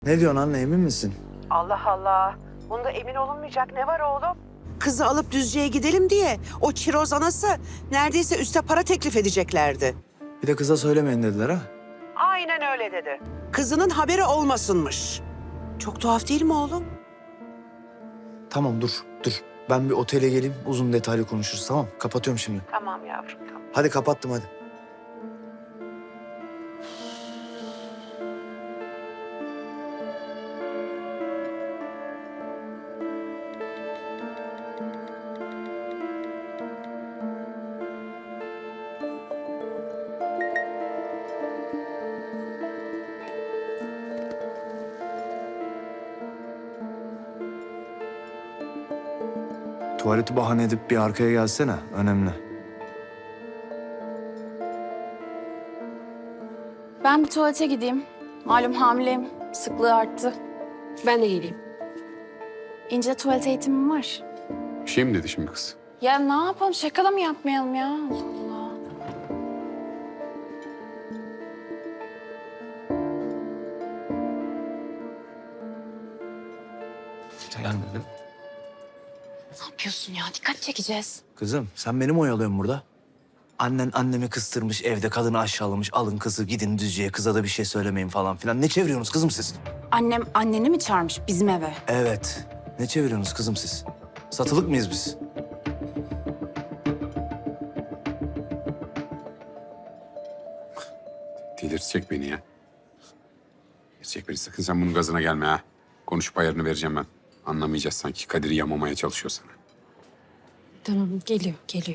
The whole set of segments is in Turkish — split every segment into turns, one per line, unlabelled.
Ne diyorsun anne, emin misin?
Allah Allah. Bunda emin olunmayacak ne var oğlum? Kızı alıp Düzce'ye gidelim diye o çiroz anası neredeyse üste para teklif edeceklerdi.
Bir de kıza söylemeyin dediler ha.
Aynen öyle dedi. Kızının haberi olmasınmış. Çok tuhaf değil mi oğlum?
Tamam dur. Ben bir otele geleyim, uzun detaylı konuşuruz, tamam? Kapatıyorum şimdi.
Tamam yavrum tamam.
Hadi kapattım hadi. Tuvaleti bahane edip bir arkaya gelsene. Önemli.
Ben bir tuvalete gideyim. Malum hamileyim. Sıklığı arttı.
Ben de geleyim.
İnce tuvalet eğitimim var.
Bir şey mi dedi şimdi kız?
Ya ne yapalım? Şaka da mı yapmayalım ya? Allah Allah.
Gelmedim.
Ne yapıyorsun ya? Dikkat çekeceğiz.
Kızım sen beni mi oyalıyorsun burada? Annen annemi kıstırmış, evde kadını aşağılamış. Alın kızı gidin Düzce'ye, kıza da bir şey söylemeyin falan filan. Ne çeviriyorsunuz kızım siz?
Annem anneni mi çağırmış bizim eve?
Evet. Ne çeviriyorsunuz kızım siz? Satılık mıyız biz?
Delirtecek beni ya. Delirtecek beni. Sakın sen bunun gazına gelme ha. Konuşup ayarını vereceğim ben. Anlamayacağız sanki. Kadir'i yamamaya çalışıyor sana.
Tamam, geliyor.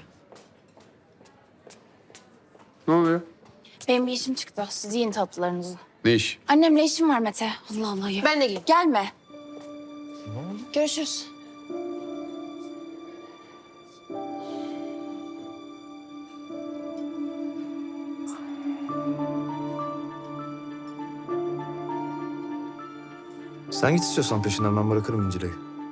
Ne oluyor?
Benim bir işim çıktı. Siz yiyin tatlılarınızı.
Ne iş?
Annemle işim var Mete. Allah Allah ya.
Ben de geleyim.
Gelme. Görüşürüz.
Sen git istiyorsan peşinden, ben bırakırım İncile'yi.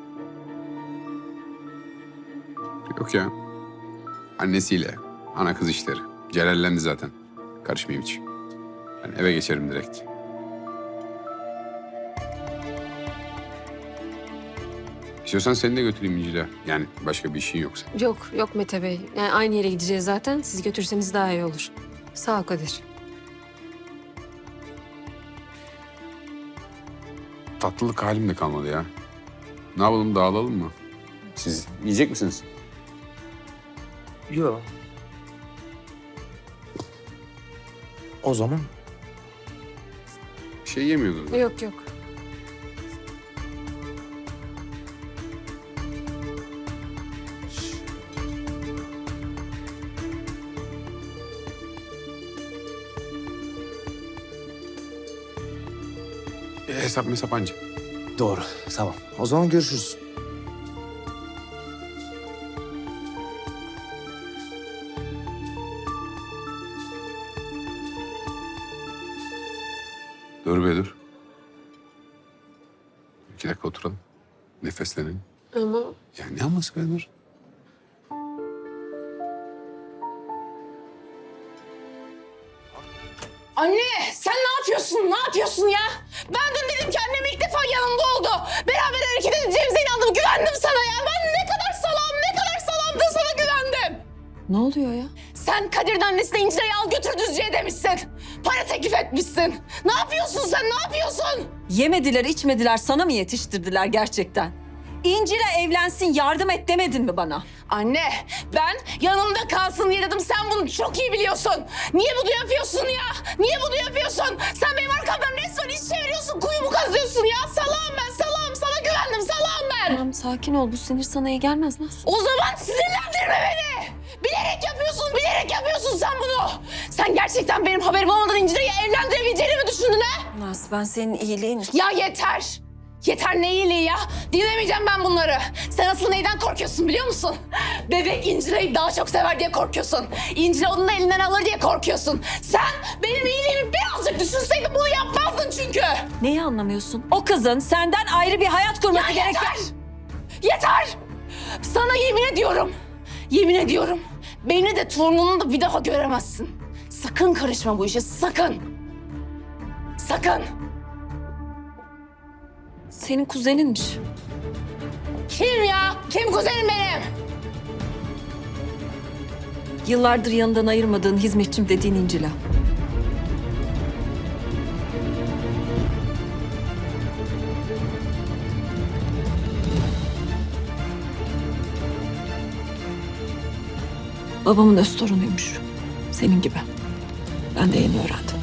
Yok ya. Annesiyle. Ana kız işleri. Celallendi zaten. Karışmayayım hiç. Ben eve geçerim direkt. İstiyorsan seni de götüreyim İncil'e. Yani başka bir işin yoksa.
Yok Mete Bey. Yani aynı yere gideceğiz zaten. Siz götürseniz daha iyi olur. Sağ ol Kadir.
Tatlılık halim de kalmadı ya. Ne yapalım, dağılalım mı? Siz yiyecek misiniz?
Yok. O zaman
Bir şey yemiyordunuz.
Yok.
Hesap mesap anca.
doğru. Tamam. O zaman görüşürüz.
Dur be dur. 2 dakika oturalım. Nefeslenelim.
Ama
Ya ne aması be dur.
Anne sen ne yapıyorsun? Ne yapıyorsun ya? Ben dün dedim ki annem ilk defa yanımda oldu. Beraber hareket edeceğimize inandım. Güvendim sana ya. Ben ne kadar salamdım sana güvendim.
ne oluyor ya?
Sen Kadir'in annesine İncile'yi al götür Düzce'ye demişsin. Para teklif etmişsin. Ne yapıyorsun sen? Ne yapıyorsun?
Yemediler, içmediler, sana mı yetiştirdiler gerçekten? İncil'e evlensin, yardım et demedin mi bana?
Anne ben yanımda kalsın diye dedim. Sen bunu çok iyi biliyorsun. Niye bunu yapıyorsun ya? Niye bunu yapıyorsun? Sen benim arkamdan resmen iş çeviriyorsun. Kuyumu kazıyorsun ya. Salağım ben salağım. Sana güvendim salağım ben.
Tamam, sakin ol. Bu sinir sana iyi gelmez. Nasıl?
O zaman sinirlendirme beni. Bilerek yapıyorsun sen bunu. Sen gerçekten benim haberim olmadan İnci'yi evlendirebileceğini mi düşündün ha?
Naz, ben senin iyiliğin için...
Ya yeter. Yeter ne iyiliği ya? Dinlemeyeceğim ben bunları. Sen asıl neyden korkuyorsun biliyor musun? Bebek İncile'yi daha çok sever diye korkuyorsun. İncile onun elinden alır diye korkuyorsun. Sen benim iyiliğimi birazcık düşünseydin bunu yapmazdın çünkü.
Neyi anlamıyorsun? O kızın senden ayrı bir hayat kurması
Ya
gereken...
Yeter! Sana yemin ediyorum. Beni de torununu da bir daha göremezsin. Sakın karışma bu işe, sakın. Sakın.
Senin kuzeninmiş.
Kim ya? Kim kuzenim benim?
Yıllardır yanından ayırmadığın hizmetçim dediğin İncil'a. Babamın öz torunuymuş. Senin gibi. Ben de yeni öğrendim.